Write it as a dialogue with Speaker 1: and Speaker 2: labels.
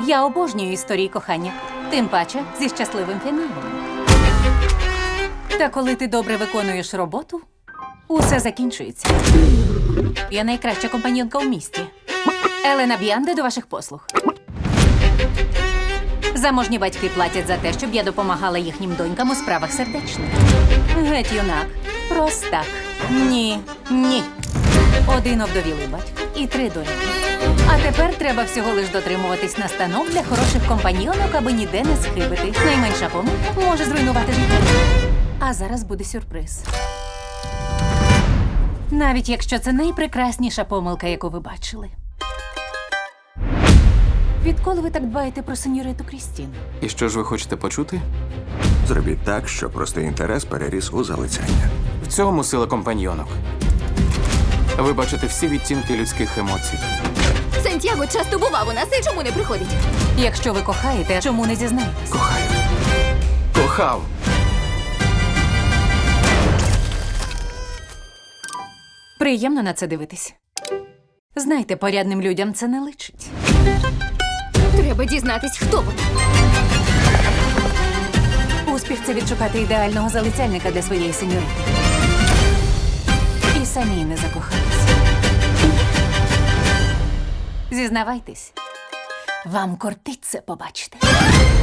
Speaker 1: Я обожнюю історії кохання, тим паче зі щасливим фіналом. Та коли ти добре виконуєш роботу, усе закінчується. Я найкраща компаньонка у місті. Елена Б'янде до ваших послуг. Заможні батьки платять за те, щоб я допомагала їхнім донькам у справах сердечних. Геть, юнак. Простак. Ні. Ні. Один овдовілий батько і 3 доньки. А тепер треба всього лиш дотримуватись настанов для хороших компаньйонок, аби ніде не схибити. Найменша помилка може зруйнувати життя. А зараз буде сюрприз. Навіть якщо це найпрекрасніша помилка, яку ви бачили. Відколи ви так дбаєте про сеньориту Крістін?
Speaker 2: І що ж ви хочете почути?
Speaker 3: Зробіть так, щоб простий інтерес переріс у залицяння.
Speaker 2: В цьому сила компаньйонок. Ви бачите всі відтінки людських емоцій.
Speaker 4: Сантьяго часто бував у нас і чому не приходить?
Speaker 1: Якщо ви кохаєте, чому не зізнаєтесь?
Speaker 2: Кохаю. Кохав.
Speaker 1: Приємно на це дивитись. Знайте, порядним людям це не личить.
Speaker 4: Треба дізнатись, хто вона.
Speaker 1: Успіх – це відшукати ідеального залицяльника для своєї сеньорити. І самі не закохались. Зізнавайтесь, вам кортить це побачити.